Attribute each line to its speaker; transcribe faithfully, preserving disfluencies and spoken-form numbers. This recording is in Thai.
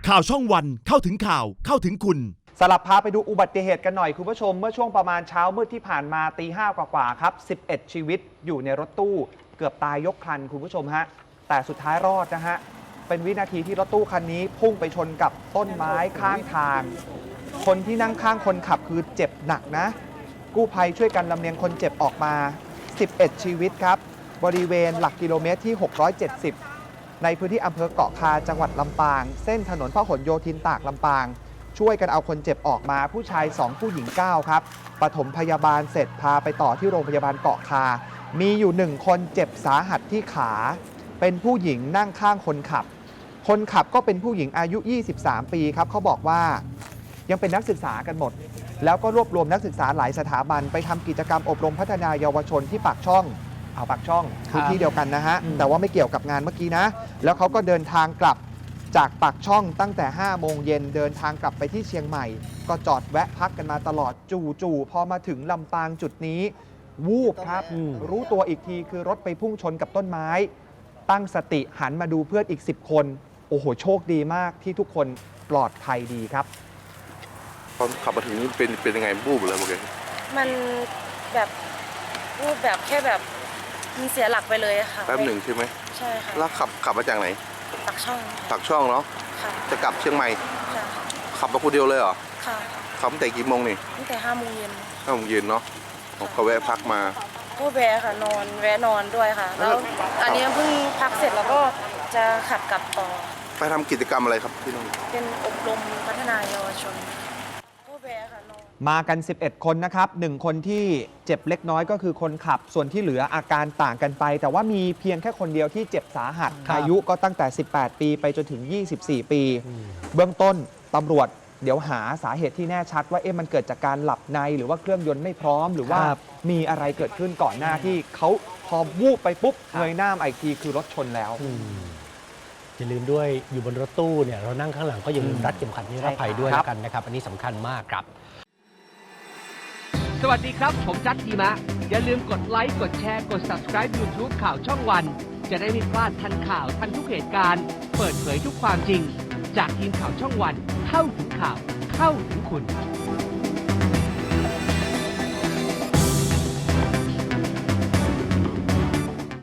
Speaker 1: ข่าวช่องวันเข้าถึงข่าวเข้าถึงคุณ
Speaker 2: สลับพาไปดูอุบัติเหตุกันหน่อยคุณผู้ชมเมื่อช่วงประมาณเช้ามืดที่ผ่านมาตีห้ากว่าๆครับสิบเอ็ดชีวิตอยู่ในรถตู้เกือบตายยกคันคุณผู้ชมฮะแต่สุดท้ายรอดนะฮะเป็นวินาทีที่รถตู้คันนี้พุ่งไปชนกับต้นไม้ข้างทางคนที่นั่งข้างคนขับคือเจ็บหนักนะกู้ภัยช่วยกันลำเลียงคนเจ็บออกมาสิบเอ็ดชีวิตครับบริเวณหลักกิโลเมตรที่หกร้อยเจ็ดสิบในพื้นที่อำเภอเกาะคาจังหวัดลำปางเส้นถนนพหลโยธินตากลำปางช่วยกันเอาคนเจ็บออกมาผู้ชายสองผู้หญิงเก้าครับปฐมพยาบาลเสร็จพาไปต่อที่โรงพยาบาลเกาะคามีอยู่หนึ่งคนเจ็บสาหัสที่ขาเป็นผู้หญิงนั่งข้างคนขับคนขับก็เป็นผู้หญิงอายุยี่สิบสามปีครับเขาบอกว่ายังเป็นนักศึกษากันหมดแล้วก็รวบรวมนักศึกษาหลายสถาบันไปทำกิจกรรมอบรมพัฒนาเยาวชนที่ปากช่องเอาปากช่องพื้นที่เดียวกันนะฮะแต่ว่าไม่เกี่ยวกับงานเมื่อกี้นะแล้วเขาก็เดินทางกลับจากปากช่องตั้งแต่ห้าโมงเย็นเดินทางกลับไปที่เชียงใหม่ก็จอดแวะพักกันมาตลอดจู่ๆพอมาถึงลำปางจุดนี้วูบครับรู้ตัวอีกทีคือรถไปพุ่งชนกับต้นไม้ตั้งสติหันมาดูเพื่อนอีกสิบคนโอ้โหโชคดีมากที่ทุกคนปลอดภัยดีครับ
Speaker 3: ตอนขับมาถึงนี่เป็นเป็นยังไงบูบเลยเมื่อกี้
Speaker 4: มันแบบบูบแบบแค่แบบมันเสียหลักไปเลยค่ะ
Speaker 3: แป๊บหนึ่งใช่ไหม
Speaker 4: ใช่ค่ะ
Speaker 3: แล้วขับขับมาจากไหน
Speaker 4: ปากช่อง
Speaker 3: ปากช่องเนาะ
Speaker 4: ค่ะ
Speaker 3: จะกลับเชียงใหม่
Speaker 4: ค่ะ
Speaker 3: ขับมาคนเดียวเลยเหรอ
Speaker 4: ค่ะ
Speaker 3: ขับตั้งแต่กี่โมงนี่
Speaker 4: ตั้งแต่ห้าโมงเย็น
Speaker 3: ห้าโมงเย็นเนาะก็แวะพักมา
Speaker 4: ก็แวะค่ะนอนแวะนอนด้วยค่ะแล้วอันนี้เพิ่งพักเสร็จแล้วก็จะขับกลับต่อ
Speaker 3: ไปทำกิจกรรมอะไรครับที่นู่น
Speaker 4: เป็นอบรมพัฒนาเยาวชนก็แวะค่ะนอน
Speaker 2: มากันสิบเอ็ดคนนะครับหนึ่งคนที่เจ็บเล็กน้อยก็คือคนขับส่วนที่เหลืออาการต่างกันไปแต่ว่ามีเพียงแค่คนเดียวที่เจ็บสาหัสอายุก็ตั้งแต่สิบแปดปีไปจนถึงยี่สิบสี่ปีเบื้องต้นตำรวจเดี๋ยวหาสาเหตุที่แน่ชัดว่าเอ๊ะมันเกิดจากการหลับในหรือว่าเครื่องยนต์ไม่พร้อมหรือว่ามีอะไรเกิดขึ้นก่อนหน้าที่เขาพอวูบไปปุ๊บเงยหน้าอีกทีคือรถชนแล้ว
Speaker 5: อย่าลืมด้วยอยู่บนรถตู้เนี่ยเรานั่งข้างหลังก็อย่าลืมรัดเข็มขัดนิรภัยด้วยแล้วกันนะครับอันนี้สำคัญมากครับ
Speaker 6: สวัสดีครับผมจัดทีมะอย่าลืมกดไลค์กดแชร์กด ซับสไครบ์ ยูทูบ ข่าวช่องวันจะได้ไม่พลาดทันข่าวทันทุกเหตุการณ์เปิดเผยทุกความจริงจากทีมข่าวช่องวันเข้าถึงข่าวเข้าถึงคุณ